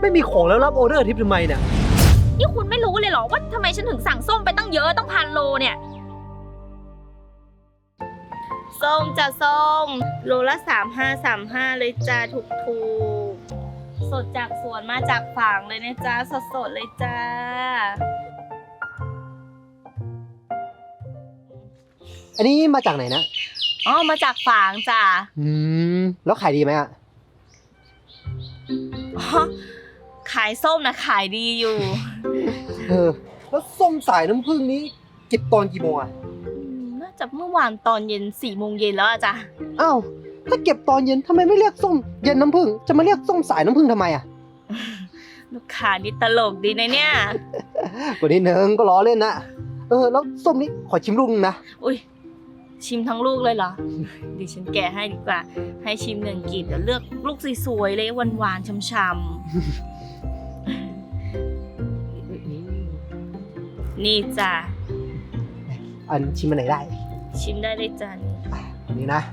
ไม่มีของแล้วรับออเดอร์ทิปทำไมเนี่ยนี่คุณไม่รู้เลยเหรอว่าทำไมฉันถึงสั่งส้มไปตั้งเยอะต้อง1,000 โลเนี่ยส้มจ้ะส้มโลละ35เลยจ้าถูกสดจากสวนมาจากฝางเลยนะจ้าสดเลยจ้าอันนี้มาจากไหนนะอ๋อมาจากฝางจ้าแล้วขายดีไหมอ่ะอ๋อขายส้มนะขายดีอยู่แล้วส้มสายน้ำผึ้งนี้เก็บตอนกี่โมงอ่ะน่าจะเมื่อวานตอนเย็น4 โมงเย็นแล้วอะจ้ะอ้าวถ้าเก็บตอนเย็นทำไมไม่เรียกส้มเย็นน้ำผึ้งจะมาเรียกส้มสายน้ำผึ้งทำไมอ่ะลูกค้านี่ตลกดีนะเนี่ยก็นิดนึงก็ล้อเล่นนะแล้วส้มนี้ขอชิมลูกนึงนะอุ้ยชิมทั้งลูกเลยเหรอดิฉันแกะให้ดีกว่าให้ชิม1 กีบเดี๋ยวเลือกลูกสวยๆเลยหวานๆช่ำๆนี่จ้ะอันชิมมันไหนได้ชิมได้เลยจ้ะนี่นะ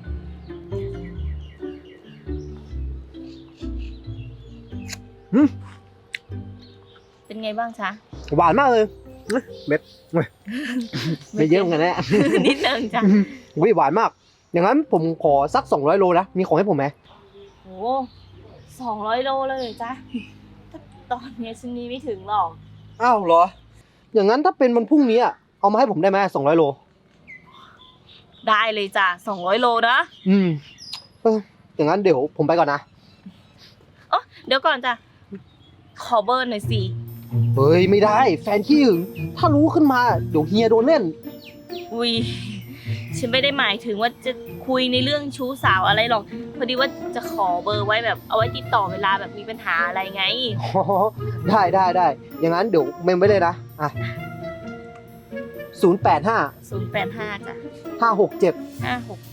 เป็นไงบ้างจ๊ะหวานมากเลยเม็ดไม่เยอะเหมือนกันนะนิดนึงจ้ะหวานมากอย่างนั้นผมขอสัก200 โลนะมีของให้ผมไหมโอ้200 โลเลยจ้ะตอนนี้ฉันนี้ไม่ถึงหรอกอ้าวเหรออย่างนั้นถ้าเป็นวันพรุ่งนี้เอามาให้ผมได้ไหม200 โลได้เลยจ้ะ200 โลนะอย่างนั้นเดี๋ยวผมไปก่อนนะเดี๋ยวก่อนจ้ะขอเบอร์หน่อยสิเฮ้ยไม่ได้แฟนขี้หึงถ้ารู้ขึ้นมาเดี๋ยวเฮียโดนเล่นอุ้ยฉันไม่ได้หมายถึงว่าจะคุยในเรื่องชู้สาวอะไรหรอกพอดีว่าจะขอเบอร์ไว้แบบเอาไว้ติดต่อเวลาแบบมีปัญหาอะไรไงได้อย่างนั้นเดี๋ยวเมมไว้เลยนะ085 จ้ะ 567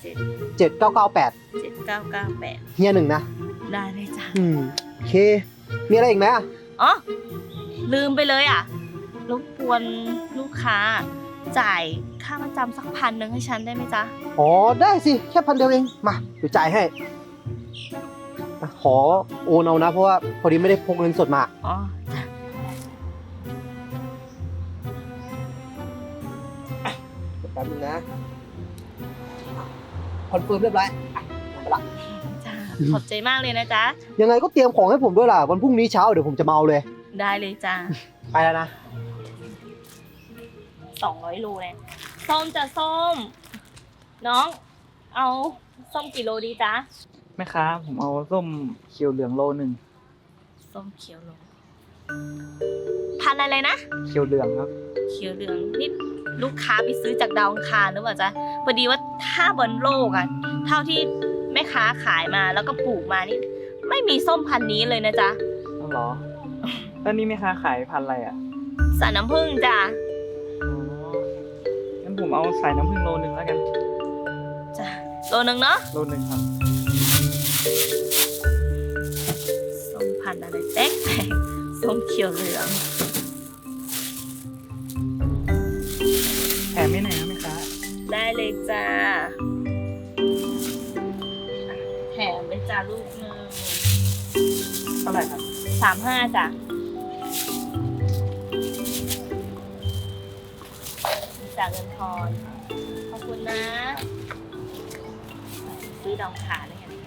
7998เฮีย1นะได้เลยจ้ะโอเคมีอะไรอีกไหมอ๋อลืมไปเลยรบกวนลูกค้าจ่ายค่าประจำสัก1,000ให้ฉันได้ไหมจ๊ะอ๋อได้สิแค่1,000เดียวเองมาเดี๋ยวจ่ายให้ขอโอนเอานะเพราะว่าพอดีไม่ได้พกเงินสดมาอ๋อแป๊บนึงนะคอนเฟิร์มเรียบร้อยไปละจ้าขอบใจมากเลยนะจ๊ะยังไงก็เตรียมของให้ผมด้วยล่ะวันพรุ่งนี้เช้าเดี๋ยวผมจะมาเอาเลยได้เลยจ้าไปแล้วนะ 200 โลเลยส้มจะส้มน้องเอาส้มกี่โลดีจ๊ะแม่ค้าผมเอาส้มเขียวเหลืองโล1 ส้มเขียวโลพันอะไรนะเขียวเหลืองครับเขียวเหลืองนี่ลูกค้าไปซื้อจากดาวอังคารหรือเปล่าจ๊ะพอดีว่าถ้าบนโลกเท่าที่แม่ค้าขายมาแล้วก็ปลูกมานี่ไม่มีส้มพันนี้เลยนะจ๊ะอ๋อเหรอแล้วนี่แม่ค้าขายพันอะไรสายน้ำผึ้งจ้ะงั้นผมเอาสายน้ำผึ้งโล1แล้วกันจ้ะโล1เนาะโล1ครับส้มพันอะไรแป๊กส้มเขียวเหลืองแถมไม่ไหนนะแม่ค้าได้เลยจ้าแถมเลยจ้าลูกนึงเท่าไหร่ครับ 35จ้ะจากเงินทอนขอบคุณนะซื้อดองขาเลยกัน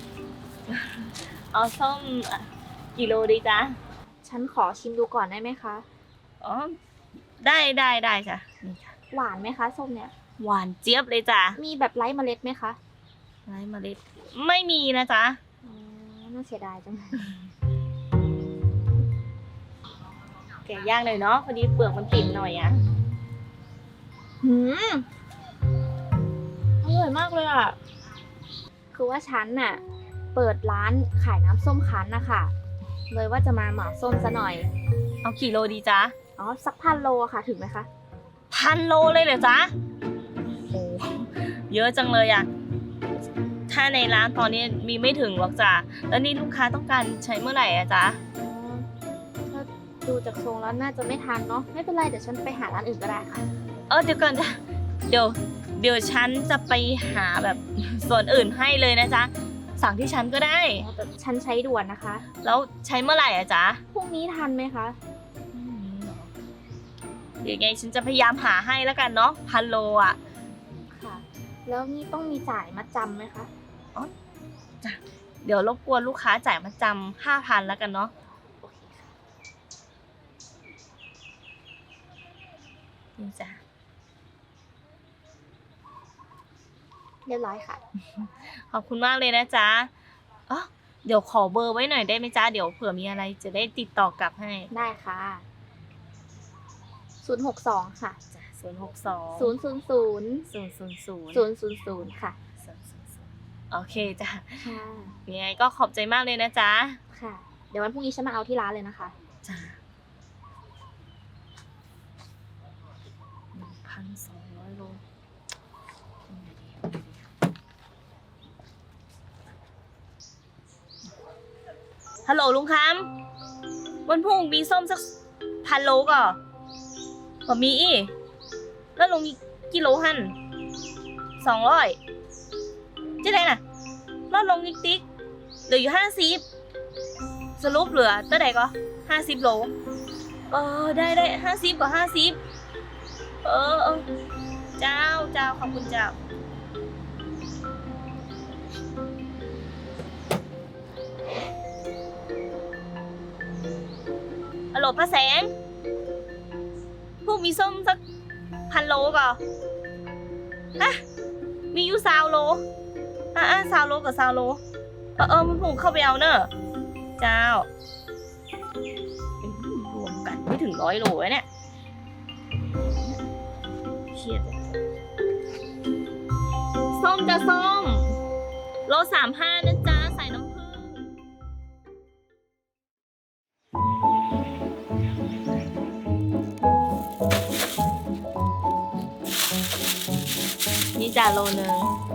เอาส้มกี่โลดีจ๊ะฉันขอชิมดูก่อนได้ไหมคะอ๋อได้จ้ะนี่ค่ะหวานไหมคะส้มเนี่ยหวานเจี๊ยบเลยจ้ะมีแบบไร้เมล็ดไหมคะไร้เมล็ดไม่มีนะจ๊ะน่าเสียดายจังแกะย่างเลยเนาะพอดีเปลือกมันติดหน่อยอร่อยมากเลยคือว่าฉันน่ะเปิดร้านขายน้ำส้มคั้นนะคะเลยว่าจะมาเหมาส้มซะหน่อยเอากี่โลดีจ๊ะอ๋อสัก1,000 โลค่ะถึงไหมคะ 1,000 โลเลยเหรอจ๊ะโอ้เยอะจังเลยถ้าในร้านตอนนี้มีไม่ถึงหรอกจ้ะแล้วนี่ลูกค้าต้องการใช้เมื่อไหร่จ๊ะถ้าดูจากทรงแล้วน่าจะไม่ทันเนาะไม่เป็นไรเดี๋ยวฉันไปหาร้านอื่นก็ได้ค่ะเดี๋ยวก่อนจ้ะเดี๋ยวฉันจะไปหาแบบส่วนอื่นให้เลยนะจ๊ะสั่งที่ฉันก็ได้แต่ฉันใช้ด่วนนะคะแล้วใช้เมื่อไหร่อะจ๊ะพรุ่งนี้ทันไหมคะเดี๋ยวไงฉันจะพยายามหาให้แล้วกันเนาะ1,000 โลอ่ะค่ะ แล้วนี่ต้องมีจ่ายมัดจำไหมคะเดี๋ยวรบกวนลูกค้าจ่ายมาจำ5,000แล้วกันเนาะโอเคค่ะนี่จ้ะเรียบร้อยค่ะขอบคุณมากเลยนะจ๊ะอ๋อเดี๋ยวขอเบอร์ไว้หน่อยได้ไหมจ๊ะ เดี๋ยวเผื่อมีอะไรจะได้ติดต่อกลับให้ได้ค่ะ 062 ค่ะจ้ะ062 000 ค่ะโอเคจ้ะค่ะยังไงก็ขอบใจมากเลยนะจ๊ะค่ะ เดี๋ยววันพรุ่งนี้ฉันมาเอาที่ร้านเลยนะคะจ้ะ1,200 โลฮัลโหลลุงคำวันพรุ่งมีส้มสัก1,000 โลก่อนบ่มีอีแล้วลงมีกิโลหั่น200จะได้น่ะลดลงนิดติ๊กเหลืออยู่50สรุปเหลือเท่าไหร่ก็50 โลได้50กับ50เจ้าขอบคุณเจ้าฮัลโหลป้าแสงพวกมีส้มสัก1,000 โลก่อนฮะมีอยู่20 โล20 โลกับ20 โลมันผมเข้าไปเอาเนอะเจ้ารวมกันไม่ถึง100 โลแล้วเนี่ยเครียดเลยส้มจะส้มโล35นะจ๊ะใส่น้ำผึ้งนี่จ่าโลนึง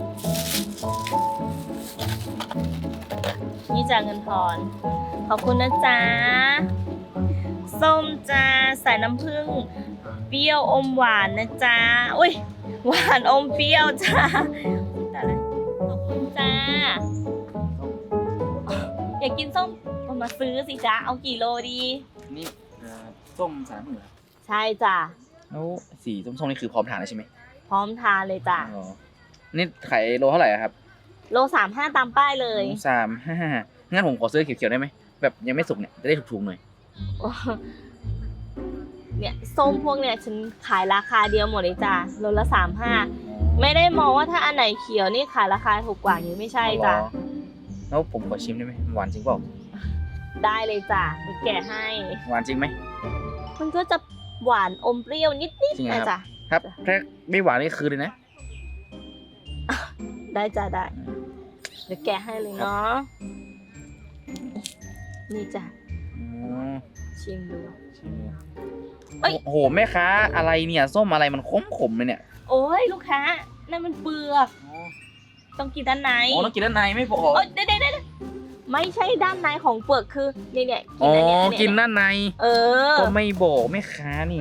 นี่จ่าเงินทอนขอบคุณนะจ๊ะส้มจ้าใส่น้ำผึ้งเปรี้ยวอมหวานนะจ๊ะอุ้ยหวานอมเปรี้ยวจ้าแต่ละขอบคุณจ้าอยากกินส้มก็มาซื้อสิจ๊ะเอากี่โลดีนี่ส้ม3 มือใช่จ้ะแล้วสีส้มๆนี่คือพร้อมทานแล้วใช่ไหมพร้อมทานเลยจ้ะอ๋อนี่ขายโลเท่าไหร่อะครับโล35ตามป้ายเลย 35งั้นผมขอซื้อเขียวๆได้ไหมแบบยังไม่สุกเนี่ยจะได้ถูกๆหน่อยเนี่ยส้มพวกเนี่ยฉันขายราคาเดียวหมดเลยจ้ะโลละ35ไม่ได้มองว่าถ้าอันไหนเขียวนี่ขายราคาถูกกว่าอย่างนี้ไม่ใช่จ้ะอ๋อแล้วผมขอชิมได้ไหมหวานจริงเปล่าได้เลยจ้ะมีแกะให้หวานจริงไหมมันก็จะหวานอมเปรี้ยวนิดจริงๆเหรอนะครับ จ๊ะครับแค่ไม่หวานนี่คือเลยนะได้จ้ะได้เดี๋ยวแกะให้เลยเนาะนี่จ้ะอ๋อชิมดูชิมเลยเอ้ยโอ้โหแม่ค้าอะไรเนี่ยส้มอะไรมันขมๆเลยเนี่ยโอ้ยลูกค้านั่นมันเปลือกต้องกินด้านในอ๋อต้องกินด้านในไม่บอกโอ้ยได้ไม่ใช่ด้านในของเปลือกคือเนี่ยอ๋ออันเนี้ยกินด้านในเออก็ไม่บอกแม่ค้านี่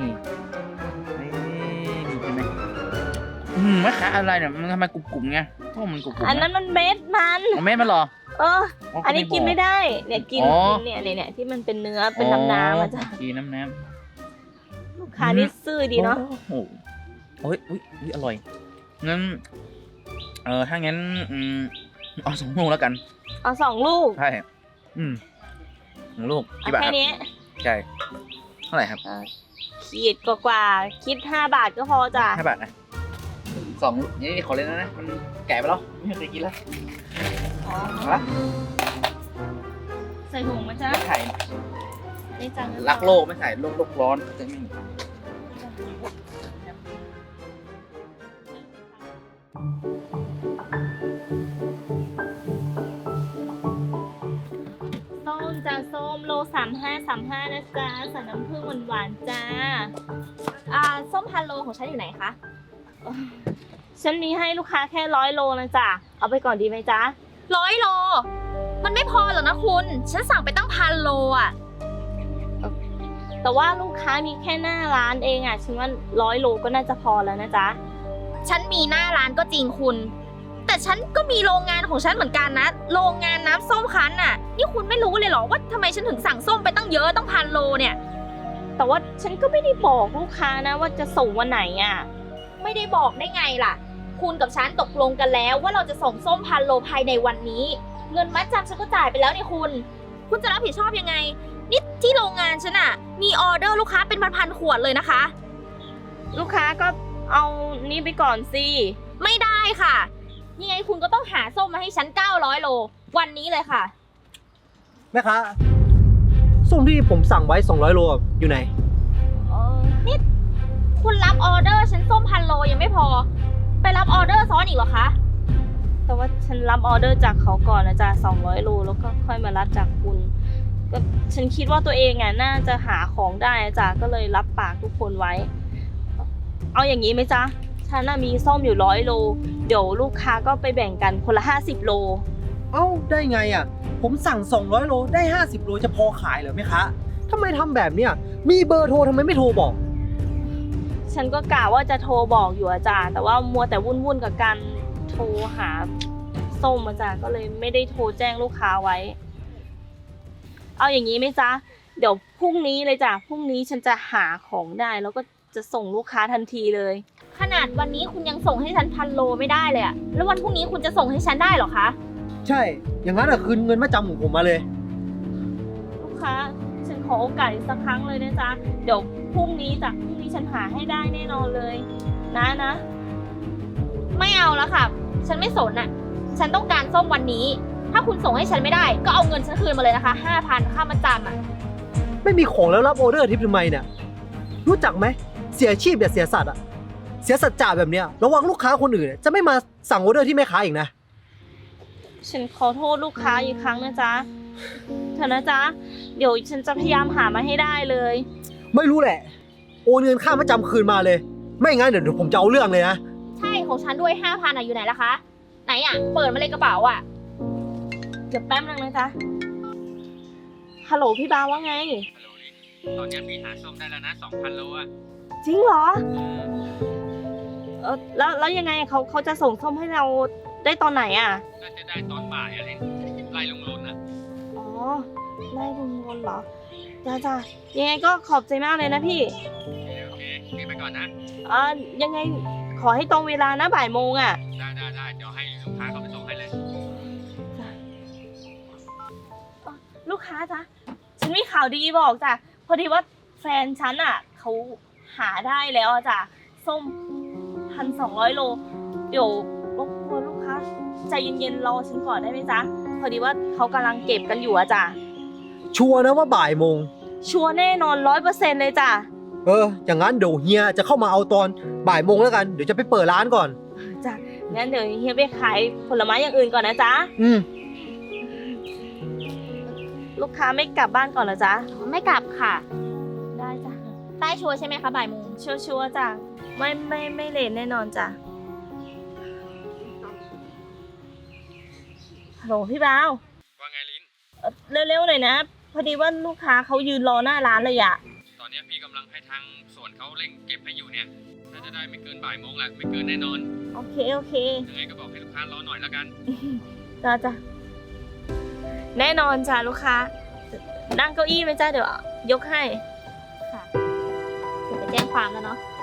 ใช่ไหมแม่ค้าอะไรเนี่ยมันทำไมกรุบๆไงเพราะมันกรุบๆอันนั้นมันเม็ดมันเอาแม่มันเหรอเอออ๋ออัอันนี้กินไม่ได้ เนี่ยกินอ๋อเนี่ยที่มันเป็นเนื้อเป็นน้ำอ่ะจ้ะกินน้ำลูกค้านี่ซื่อดีเนาะโอ้โหโอ้ยอุ๊ยอร่อยงั้นถ้างั้นเอา2 ลูกแล้วกันเอา2 ลูกใช่2 ลูกเอากี่บาทคแค่รับนี้ใช่เท่าไหร่ครับขีดกว่าคิด5 บาทก็พอจ้ะ 5 บาทนะ2 ลูกนี่ขอเล่นนะมันแก่ไปแล้วไม่เคยกินแล้วอ๋อเอาละใส่ถุงมาจ้ะไม่ไข่ได้จังรักโลกไม่ใส่โลกร้อนจะไม่ส้มจ้ะส้มโล35นะจ๊ะใส่น้ำผึ้งหวานๆจ้าส้ม1,000 โลของฉันอยู่ไหนคะฉันมีให้ลูกค้าแค่100 โลนะจ๊ะเอาไปก่อนดีไหมจ๊ะ 100 โล มันไม่พอหรอกนะคุณ ฉันสั่งไปตั้ง1,000 โลอ่ะแต่ว่าลูกค้ามีแค่หน้าร้านเองอ่ะฉันว่า100 โลก็น่าจะพอแล้วนะจ๊ะฉันมีหน้าร้านก็จริงคุณ แต่แต่ฉันก็มีโรงงานของฉันเหมือนกันนะ โรงงานน้ำส้มคั้นน่ะ นี่คุณไม่รู้เลยเหรอว่าทำไมฉันถึงสั่งส้มไปตั้งเยอะตั้ง1,000 โลเนี่ยแต่ว่าฉันก็ไม่ได้บอกลูกค้านะว่าจะส่งวันไหนอ่ะไม่ได้บอกได้ไงล่ะ คุณกับฉันตกลงกันแล้วว่าเราจะส่งส้ม1,000 โลภายในวันนี้ เงินมัดจำฉันก็จ่ายไปแล้วนี่คุณจะรับผิดชอบยังไง นี่ที่โรงงานฉันอะมีออเดอร์ลูกค้าเป็นพันๆขวดเลยนะคะลูกค้าก็เอานี้ไปก่อนสิไม่ได้ค่ะยังไงคุณก็ต้องหาส้มมาให้ฉัน900 โลวันนี้เลยค่ะแม่ค้าส้มที่ผมสั่งไว้200 โลอยู่ไหนนี่คุณรับออเดอร์ฉันส้ม1,000 โลยังไม่พอ ไปรับออเดอร์ซ้อนอีกเหรอคะแต่ว่าฉันรับออเดอร์จากเขาก่อนนะจ๊ะ200 โลแล้วก็ค่อยมารับจากคุณก็ฉันคิดว่าตัวเองอ่ะน่าจะหาของได้นะจ๊ะก็เลยรับปากทุกคนไว้ เอาอย่างนี้ไหมจ๊ะฉันน่ะมีส้มอยู่100 โลเดี๋ยวลูกค้าก็ไปแบ่งกันคนละ50 โลเอ้าได้ไงอ่ะผมสั่ง200 โลได้50 โลจะพอขายเหรอแม่ค้าทำไมทำแบบเนี้ยมีเบอร์โทรทำไมไม่โทรบอกฉันก็กะว่าจะโทรบอกอยู่อาจารย์แต่ว่ามัวแต่วุ่นกับการโทรหาส้มอาจารย์ก็เลยไม่ได้โทรแจ้งลูกค้าไว้ เอาอย่างนี้ไหมจ๊ะเดี๋ยวพรุ่งนี้เลยจ้ะพรุ่งนี้ฉันจะหาของได้แล้วก็จะส่งลูกค้าทันทีเลยขนาดวันนี้คุณยังส่งให้ฉัน1,000 โลไม่ได้เลยอะแล้ววันพรุ่งนี้คุณจะส่งให้ฉันได้เหรอคะใช่อย่างนั้นอ่ะคืนเงินมาจำของผมมาเลยลูกค้าฉันขอโอกาสอีกสักครั้งเลยนะจ๊ะเดี๋ยวพรุ่งนี้จ้ะพรุ่งนี้ฉันหาให้ได้แน่นอนเลยนะไม่เอาแล้วค่ะ ฉันไม่สนอะฉันต้องการส้มวันนี้ ถ้าคุณส่งให้ฉันไม่ได้ก็เอาเงินฉันคืนมาเลยนะคะ 5,000 ค่ามาจำอะไม่มีของแล้วรับออเดอร์ทิปทำไมเนี่ยรู้จักไหมเสียอาชีพอย่าเสียสัตว์อ่ะเสียสัจจะแบบเนี้ยระวังลูกค้าคนอื่นจะไม่มาสั่งออเดอร์ที่แม่ค้าอีกนะฉันขอโทษลูกค้าอีกครั้งนะจ๊ะเถอะนะจ๊ะเดี๋ยวฉันจะพยายามหามาให้ได้เลยไม่รู้แหละโอนเงินค่ามาจำคืนมาเลย ไม่งั้นเดี๋ยวผมจะเอาเรื่องเลยนะใช่ของฉันด้วย 5,000อะอยู่ไหนล่ะคะ ไหนอะเปิดมาเลยกระเป๋าอะเดี๋ยวแป๊บนึงนะจ๊ะฮัลโหลพี่บาว่าไงฮัลโหลลิตอนนี้พี่หาส้มได้แล้วนะ 2,000 โลอ่ะจริงเหรอแล้วยังไงเขาจะส่งส้มให้เราได้ตอนไหนอ่ะน่าจะได้ตอนบ่ายอะไรไล่ลงลนนะอ๋อไล่ลุงวนเหรอจ้ายังไงก็ขอบใจมากเลยนะพี่โอเคพี่ไปก่อนนะยังไงขอให้ตรงเวลานะบ่ายโมงอ่ะได้เดี๋ยวให้ลูกค้าเขาไปส่งให้เลยลูกค้าจ๊ะฉันมีข่าวดีบอกจ้ะพอดีว่าแฟนฉันอ่ะเขาหาได้แล้วอะจ้ะส้ม1,200 โลเดี๋ยวรบกวนลูกค้าใจเย็นๆรอฉันก่อนได้ไหมจ๊ะพอดีว่าเขากำลังเก็บกันอยู่อะจ้ะชัวร์นะว่าบ่ายโมงชัวร์แน่นอน100%เลยจ้ะอย่างนั้นเดี๋ยวเฮียจะเข้ามาเอาตอนบ่ายโมงแล้วกันเดี๋ยวจะไปเปิดร้านก่อนจ้ะงั้นเดี๋ยวเฮียไปขายผลไม้อย่างอื่นก่อนนะจ๊ะ ลูกค้าไม่กลับบ้านก่อนเหรอจ๊ะไม่กลับค่ะได้จ้ะได้ชัวร์ใช่ไหมคะบ่ายโมงชัวร์ๆจ้ะไม่เลทแน่นอนจ้ะฮัลโหลพี่บ่าวว่าไงลินเร็วๆหน่อยนะ พอดีว่าลูกค้าเขายืนรอหน้าร้านเลยอะตอนนี้พี่กำลังให้ทางสวนเขาเร่งเก็บให้อยู่เนี่ยน่าจะได้ไม่เกินบ่ายโมงแหละไม่เกินแน่นอนโอเคยังไงก็บอกให้ลูกค้ารอหน่อยแล้วกันจ้ะแน่นอนจ้ะลูกค้านั่งเก้าอี้ไหมจ้ะเดี๋ยวยกให้ค่ะเดี๋ยวไปแจ้งความแล้วเนาะ